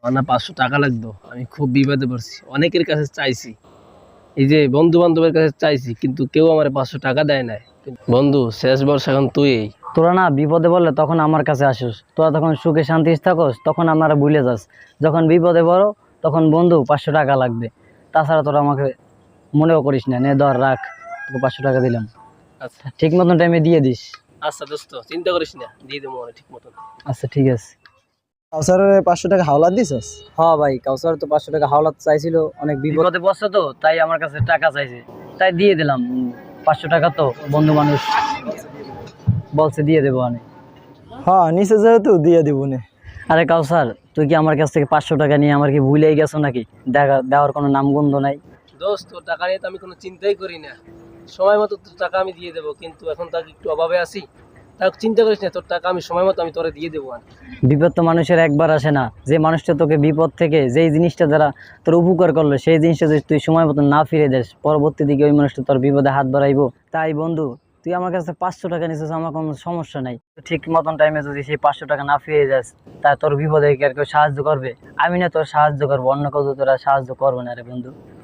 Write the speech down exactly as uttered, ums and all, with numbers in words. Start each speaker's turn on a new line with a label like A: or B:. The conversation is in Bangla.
A: আমার না পাঁচশো টাকা লাগতো, আমি খুব বিপদে পড়ছি, অনেকের কাছে চাইছি, এই যে বন্ধু বান্ধবের কাছে চাইছি, কিন্তু কেউ আমার পাঁচশো টাকা দেয় নাই। বন্ধু, শেষ বর্ষ এখন তুই।
B: তোরা না বিপদে বললে তখন আমার কাছে আসিস, তোরা তখন সুখে শান্তি থাকস, তখন আমরা ভুলে যাস। যখন বিপদে পড়ো তখন বন্ধু পাঁচশো টাকা লাগবে, তাছাড়া তোরা আমাকে মনেও করিস না। নে ধর, রাখ, তোকে পাঁচশো টাকা দিলাম।
A: আচ্ছা
B: ঠিক মতন টাইমে দিয়ে দিস।
A: আচ্ছা দোস্ত, চিন্তা করিস না, দিয়ে দেবো মনে ঠিক মতন।
B: আচ্ছা ঠিক আছে।
C: কাউসারের পাঁচশো টাকা হাওলাত দিছস?
B: হ্যাঁ ভাই, কাউসার তো পাঁচশো টাকা হাওলাত চাইছিল, অনেক বিপদে পড়ছে তো, তাই আমার কাছে টাকা চাইছে, তাই দিয়ে দিলাম। পাঁচশো টাকা তো বন্ধু মানুষ বলছে দিয়ে দেবো আমি।
C: হ্যাঁ, নিচে যেহেতু দিয়ে দিব নে।
B: আরে কাউসার, তুই কি আমার কাছ থেকে পাঁচশো টাকা নিয়ে আমার কি ভুলেই গেছো নাকি? দেখা দেওয়ার কোনো নামগন্ধ নাই।
A: দোস্ত, তোর টাকা নিয়ে তো আমি কোনো চিন্তাই করি না, সময় মতো তোর টাকা আমি দিয়ে দেবো, কিন্তু এখন তাকে একটু অভাবে আছি। তাই চিন্তা করিস না, তোর টাকা আমি সময় মতো আমি তোরে দিয়ে দেবো। আর
B: বিপদ তো মানুষের একবার আসে না। যে মানুষটা তোকে বিপদ থেকে যেই জিনিসটা দ্বারা তোর উপকার করলো, সেই জিনিসটা যদি তুই সময় মতো না ফিরে দেস, পরবর্তী দিকে ওই মানুষটা তোর বিপদে হাত বাড়াইবো। তাই বন্ধু, তুই আমার কাছে পাঁচশো টাকা নিছিস, আমার কোনো সমস্যা নাই। ঠিক মতন টাইমে যদি সেই পাঁচশো টাকা না ফিরে যাস, তা তোর বিপদে কি আর কেউ সাহায্য করবে? আমি না তোর সাহায্য করবো, অন্য কেউ তো তোরা সাহায্য করবে না রে বন্ধু।